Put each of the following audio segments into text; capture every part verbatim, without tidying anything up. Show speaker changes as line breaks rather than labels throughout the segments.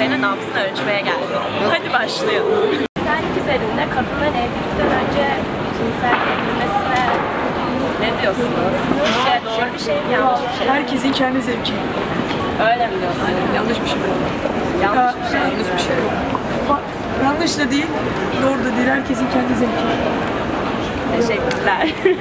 erkeklerin nabzını ölçmeye geldik. Hadi başlayalım. Cinsellik üzerinde kadınların evlilikten önce cinselliğe girmesine ne diyorsunuz? Sizce doğru bir şey mi, yanlış bir şey mi?
Herkesin kendi zevki.
Öyle mi diyorsunuz?
Yanlış bir şey.
Yanlış bir şey.
Yanlış bir şey. Bak, yanlış da değil, doğru da değil. Herkesin kendi zevki.
Teşekkürler.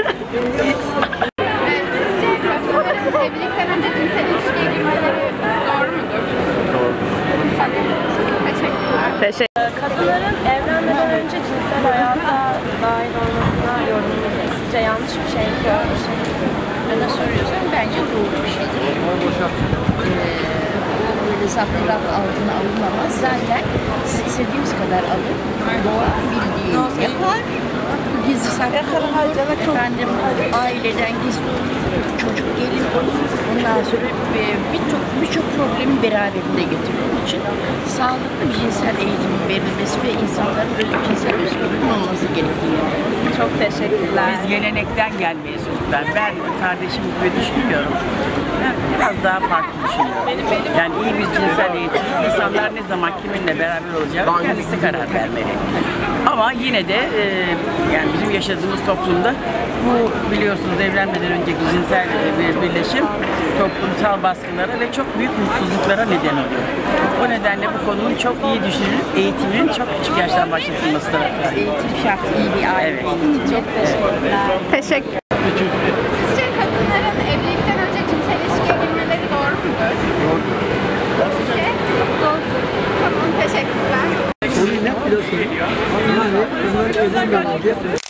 Evlilikten önce cinsel ilişkiye girmeleri doğru mudur? Doğru. Teşekkürler.
Teşekkür. Kadınların evlenmeden önce cinsel hayata dahil olmasına yorumunuz ne? Sizce yanlış bir şey mi, doğru bir şey mi?
Bana soruyorsan bence doğru bir şeydir. Ee, böyle zapturapt altına alınamaz. Zaten siz istediğimiz kadar alın. Doğa bildiğini yapar. Gizli saklı olur. Efendim aileden gizli olur. Çocuk gelin olur. Ondan sonra birçok birçok problemi beraberinde getirdiği için sağlıklı bir cinsel eğitimin verilmesi ve insanların böyle cinsel özgürlüğünün olması gerektiğini.
Çok teşekkürler.
Biz gelenekten gelmeyiz çocuklar. Ben kardeşim gibi düşünmüyorum. Ben biraz daha farklı düşünüyorum. Yani iyi bir cinsel eğitim, insanlar ne zaman kiminle beraber olacağı kendisi karar vermeli. Ama yine de e, yani bizim yaşadığımız toplumda bu biliyorsunuz evlenmeden önceki cinsel bir birleşim toplumsal baskılara ve çok büyük mutsuzluklara neden oluyor. O nedenle bu konunun çok iyi düşünülüp eğitimin çok küçük yaştan başlatılması taraftarıyım.
Eğitim şart, iyi bir aile.
Evet.
Çok teşekkürler.
Teşekkür. Sizce kadınların evlilikten önce cinsel ilişkiye girmeleri doğru mudur? Doğru. Sizce? Doğru. Tamam, teşekkürler.
Onu ne biliyorsun? Yani kızlar evlenmeden önce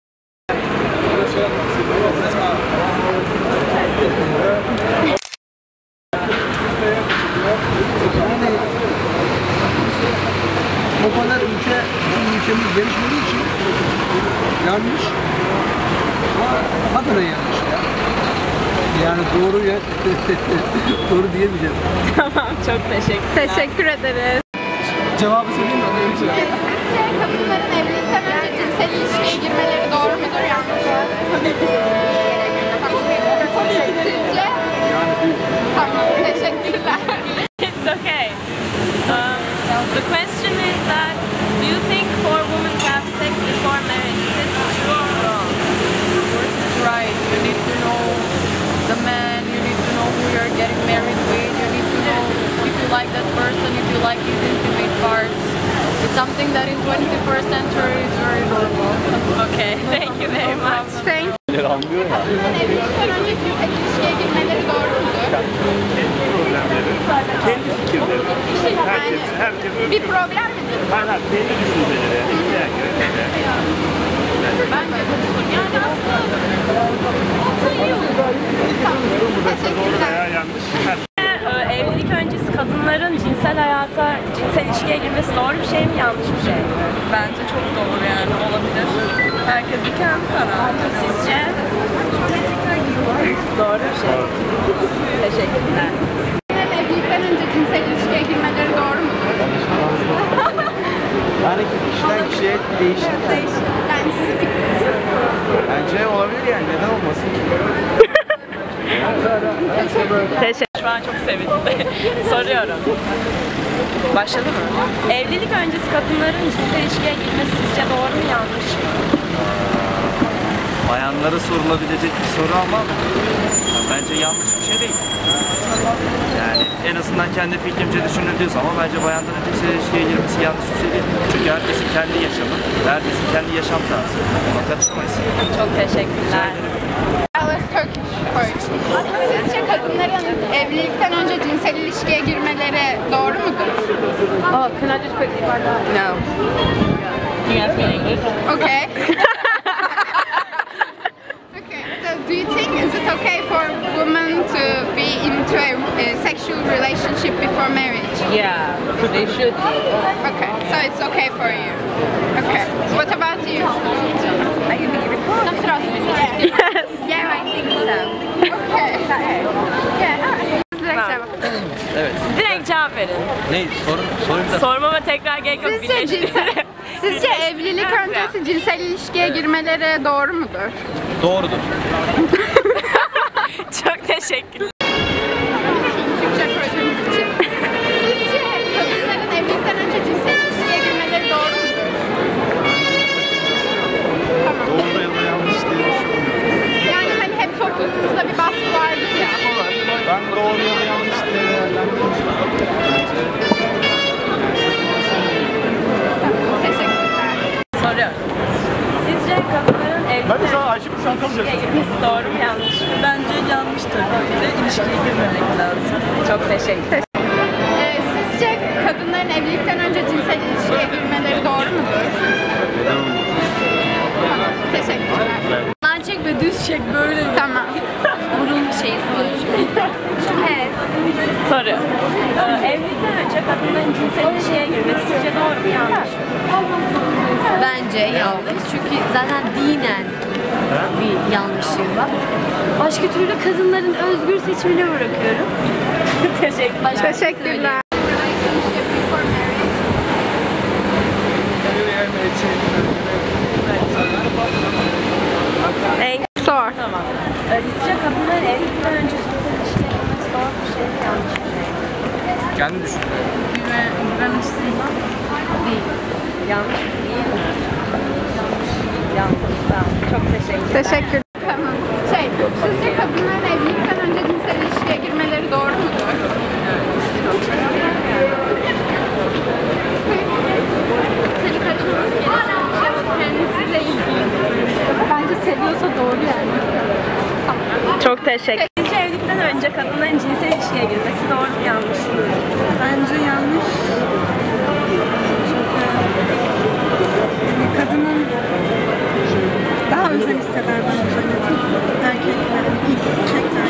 o kadar ülke, bizim ülkemiz gelişmediği için yanlış. Hakikaten yanlış ya. Yani doğru ya, doğru diyemeyeceğim.
Tamam, çok teşekkürler.
Teşekkür ederiz.
Cevabı söyleyeyim mi? Öyle bir şey.
Sizce kadınların evlilikten önce cinsel ilişkiye girmeleri doğru mudur, yanlış mıdır? Tabii ki. Sizce? Tamam, teşekkürler.
It's okay. Um, the question is that, do you think for women to have sex before marriage, is it true or wrong?
Of course it's right. You need to know the man, you need to know who you're getting married with, you need to know if you like that person, if you like his intimate parts. It's something that in twenty-first century is very normal.
Okay, thank you very much.
Thank you.
Anlıyor ya.
Kadınların evlilikten önce cinsel ilişkiye girmeleri doğru mudur?
Kendi fikirleri. Herkes, herkes
Bir problem midir?
her her kendi düşünceleri. İsteyen göre kendi.
Ben de yani aslında iyi olur. Tamam.
Doğru veya
Teşekkürler.
yanlış. Her
Ee, Evlilik öncesi kadınların cinsel hayata, cinsel ilişkiye girmesi doğru bir şey mi, yanlış bir şey mi?
Bence çok doğru yani olabilir. Herkesin kendi kararı.
Sizce? Doğru bir şey. Teşekkürler.
Kadınların evlilikten önce cinsel ilişkiye girmeleri doğru mudur?
Yani kişiden kişiye değişir.
Değişir. Yani sizin fikriniz.
Bence olabilir yani. Neden olmasın ki?
Teşekkür. Şu an çok sevindim. Soruyorum. Başladı mı? Evlilik öncesi kadınların cinsel ilişkiye girmesi sizce doğru mu, yanlış mı?
Bayanlara sorulabilecek bir soru ama bence yanlış bir şey değil. Yani en azından kendi fikrimce düşünüldüğü zaman bence bayanların cinsel ilişkiye girmesi yanlış bir şey değil. Çünkü herkesin kendi yaşamı, herkesin kendi yaşam tarzı. Buna karışamayız.
Çok teşekkürler.
Sizce kadınların evlilikten önce cinsel ilişkiye girmeleri doğru mudur?
Oh, can I just quickly find out? No. You ask me in English?
Okay. Okay. So, do you think is it okay for women to be into a, a sexual relationship before marriage?
Yeah, they should.
Okay. So it's okay for you. Okay. What about you?
Are you being recorded?
Yes.
Yeah, I think so.
Okay. Yeah. Direkt cevap.
Evet.
Direkt cevap verin.
Ne? Sorun, sorun da.
Sormama tekrar gerek yok.
Sizce
birleştirin.
cinsel, sizce evlilik öncesi cinsel ilişkiye girmeleri doğru mudur?
Doğrudur.
Çok teşekkürler.
Türkçe projemiz için. Sizce kadınların
ilişkiye girmesi doğru mu yanlış mı?
Bence yanlış tabii ki de ilişkiye girmemek lazım.
Çok teşekkür ederim.
Ee, sizce kadınların evlilikten önce cinsel ilişkiye girmeleri doğru mudur? Tamam, teşekkürler.
Lan çek ve düz çek böyle.
Tamam.
Burun şeyi
Evet.
Soru. Ee, evlilikten önce kadınların cinsel ilişkiye girmesi sizce doğru mu yanlış mı?
Bence yanlış. Çünkü zaten dinen bir yanlışlığı var. Başka türlü kadınların özgür seçimine bırakıyorum.
Teşekkürler.
Başka
Teşekkürler.
En
Sor.
Tamam. Ee, sizce kadınların evlilikten önce cinsel ilişkiye girmesi doğru bir şey mi yanlış mı?
Kendi düşün.
Değil. Yanlış mı? Değil mi? Yanlış. Tamam. Çok teşekkürler.
Teşekkür. Tamam. Şey, sizce kadınların evlilikten önce cinsel ilişkiye girmeleri doğru mudur?
Seni kaçırması gereken bir şey ama kendisiyle ilgili.
Bence seviyorsa doğru yani.
Çok teşekkür. Sizce evlilikten önce kadınların cinsel ilişkiye girmesi doğru mu yanlış mı?
Bence yanlış. Çünkü kadının daha özel hisseder bence. Erkeklerin ilk çekler.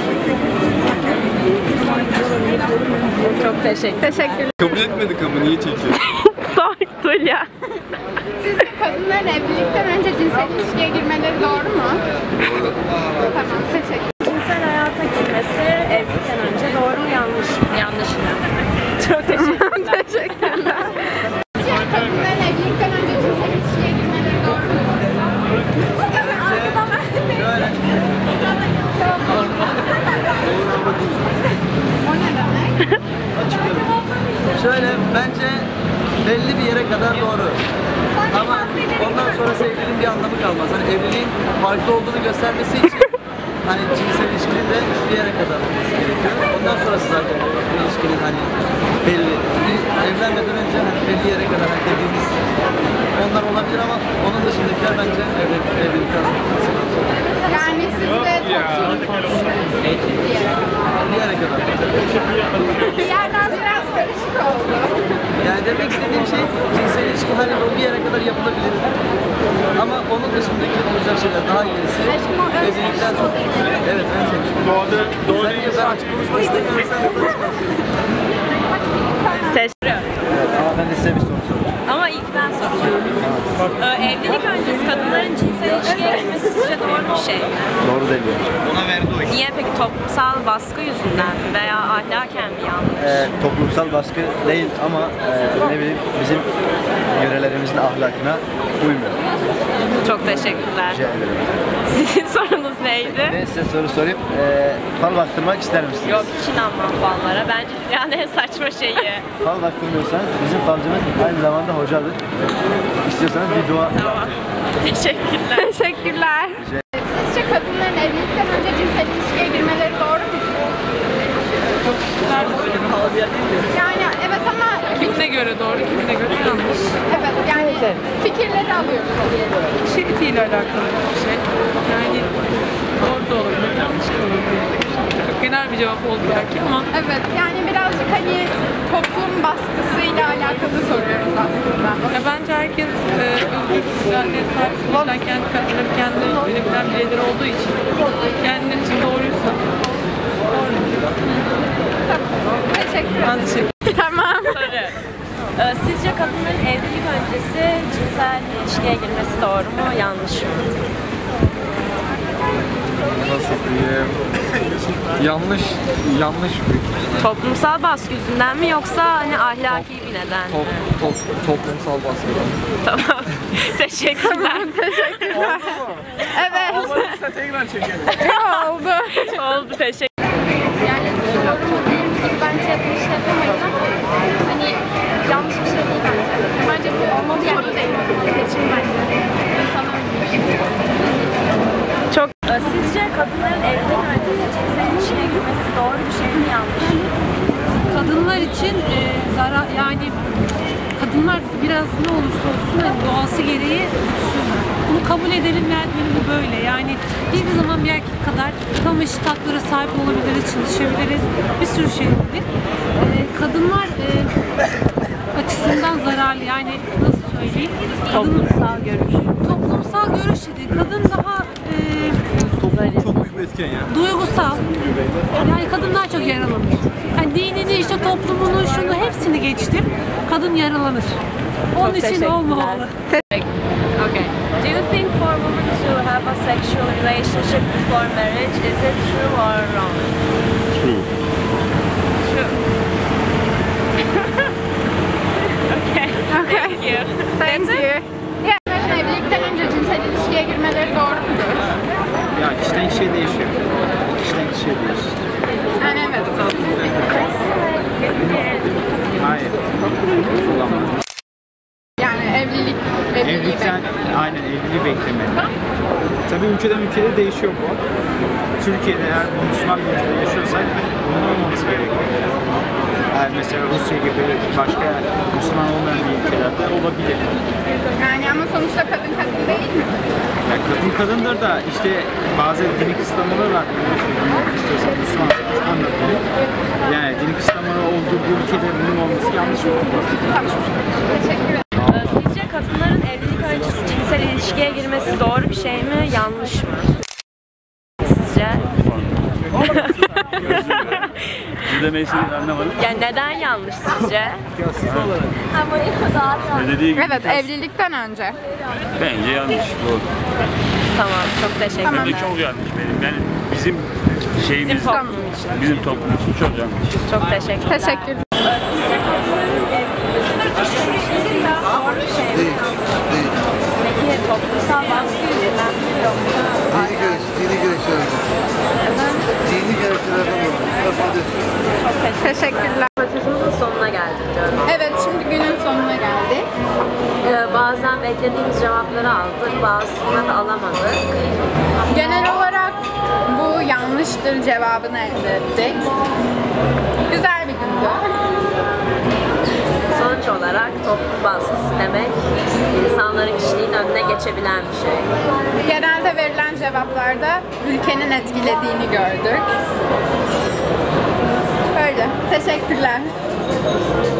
Çok teşekkür.
Teşekkür.
Kabul etmedik ama niye çekiyorsun?
Sor Tulya.
Sizce kadınların evlilikten önce cinsel ilişkiye girmeleri doğru mu? Tamam, teşekkür.
Cinsel hayata girmesi evlilikten önce doğru mu yanlış mı? Yanlış mı? Çok teşekkürler.
Teşekkürler. Sizce kadınların evlilikten önce cinsel ilişkiye girmeleri doğru mu? O ne demek?
Şöyle, bence belli bir yere kadar doğru. Ama ondan sonra evliliğin bir anlamı kalmaz. Hani evliliğin farklı olduğunu göstermesi için hani cinsel ilişkinin de bir yere kadar olması gerekiyor. Ondan sonrası zaten ilişkinin hani belli. Evlenmeden önce hani belli yere kadar hani dediğimiz onlar olabilir ama onun dışındakiler bence evlilik, evlilikten sonra.
Yani siz de toplum
Bir yere kadar.
bir yerden biraz karışık oldu.
Yani demek istediğim şey cinsel ilişki hani o bir yere kadar yapılabilir. Ama onun dışındaki olacak şeyler daha gerisi evlilikten sonra. Evet, ben sevmiştim.
Doğada, doğada
Sen ben açık konuşmak istemiyorum, sen burada çıkarsın.
Teşekkür ederim.
Evet ama ben de size bir soru soracağım.
Ama ilk ben soracağım. Ee, evlilik öncesi kadınların cinsel ilişkiye girmesi sizce doğru bir şey mi?
Doğru değil.
Niye peki? Toplumsal baskı yüzünden mi veya ahlaken mi yanlış?
Ee, toplumsal baskı değil ama e, ne bileyim bizim yörelerimizin ahlakına uymuyor.
Çok teşekkürler.
Rica ederim.
Sizin sorunuz neydi?
Ben size soru sorayım. Ee, fal baktırmak ister misiniz?
Yok, hiç inanmam fallara. Bence dünyanın en saçma şeyi.
Fal baktırmıyorsanız bizim falcımız aynı zamanda hocadır. İstiyorsanız bir dua.
Tamam. Teşekkürler.
Teşekkürler. Sizce kadınların evlilikten önce cinsel ilişkiye girmeleri doğru mu? Yani evet ama
Kimine göre doğru, kimine göre yanlış.
evet yani fikirleri alıyoruz.
Şirketiyle alakalı bir şey. Yani doğru da olabilir, yanlış da olabilir. Çok genel bir cevap oldu belki ama
Evet yani birazcık hani toplum baskısıyla alakalı soruyoruz aslında.
ya bence herkes e, özgür iradeye sahip, o yüzden kendi kararları kendileri verebilen bireyler olduğu için kendileri için doğruysa doğru.
Tamam. Teşekkür ederim.
Ben teşekkür
Tamam.
Soru. Ee, sizce kadınların evlilik öncesi cinsel ilişkiye girmesi doğru mu, yanlış mı?
Nasıl diyeyim? Yanlış, yanlış bir
Toplumsal baskı yüzünden mi yoksa hani ahlaki bir neden mi?
top, toplumsal baskıdan.
Tamam. Teşekkürler.
Teşekkürler. Evet.
Sen tekrar çekelim.
Oldu.
Oldu, teşekkür.
Yani bence bu iş yapamayız ama hani yanlış bir şey değil bence. Bence bu olmalı yani. Soru değil. Seçim bence. İnsanlar
Çok. Ee, Sizce kadınların evlilik öncesi cinsel ilişkiye girmesi doğru bir şey mi, yanlış mı?
Kadınlar için e, zarar yani
kadınlar biraz ne olursa olsun hani doğası gereği güçsüzler. Bunu kabul edelim ve bu böyle. Yani hiçbir zaman bir erkek kadar tam eşit haklara sahip olabiliriz, çalışabiliriz. Bir sürü şey olabilir. Ee, kadınlar e, açısından zararlı. Yani nasıl söyleyeyim? Kadın,
Toplumsal görüş.
Toplumsal görüş değil. Kadın daha e,
Çok büyük bir etken ya.
duygusal. Yani kadınlar çok yaralanır. Yani dinini, işte toplumunu, şunu hepsini geçtim. Kadın yaralanır. Onun
Çok
için
teşekkürler.
olmamalı.
Okay. Do you think for women to have a sexual relationship before marriage, is it true or wrong?
True.
True. Okay.
Okay.
Thank you.
Thank you. Yeah. Evlilikten önce cinsel ilişkiye girmeleri doğru mudur?
Ya kişiden kişiye değişiyor. Kişiden kişiye değişiyor.
Yani evet.
Hayır. Kullanmadım.
Yani evlilik, evliliği
Evlilikten, aynen evliliği beklemeli. Tabii ülkeden ülkede değişiyor bu. Türkiye'de eğer Müslüman bir ülkede yaşıyorsak bunun olmaması gerekiyor. Yani mesela Rusya gibi başka Müslüman olmayan bir ülkelerde olabilir.
Yani ama sonuçta kadın kadın değil mi?
Yani kadın kadındır da işte bazı dini kısıtlamalar var. İstiyorsan Müslüman anlatayım. Yani dini kısıtlamalar olduğu bu ülkede bunun olması yanlış bir şey.
Teşekkür ederim.
Sizce kadınların evlilik öncesi cinsel ilişkiye girmesi doğru bir şey mi, yanlış mı? Sizce?
Demeyi anlamadım.
Yani neden yanlış sizce?
Ne dediği gibi.
Evet, evlilikten önce.
Bence yanlış. Doğru.
Tamam, çok teşekkür
Tamam.
ederim.
Bence çok yanlış benim. Yani bizim şeyimiz,
Bizim toplum için.
bizim toplum için çok yanlış.
Çok teşekkürler.
Teşekkür.
Sizce kadınların evlilik doğru bir şey mi? Peki toplumsal baskı yüzünden mi yoksa?
Dini görüş, dini görüşlerden. Dini görüşlerden olur.
Çok
Teşekkürler.
Röportajımızın sonuna geldik diyorum.
Evet, şimdi günün sonuna geldik.
Ee, bazen beklediğimiz cevapları aldık, bazısını da alamadık.
Genel olarak bu yanlıştır cevabını elde ettik. Güzel bir gündü.
Sonuç olarak toplum baskısı demek insanların kişiliğin önüne geçebilen bir şey.
Genelde verilen cevaplarda ülkenin etkilediğini gördük. Böyle. Teşekkürler.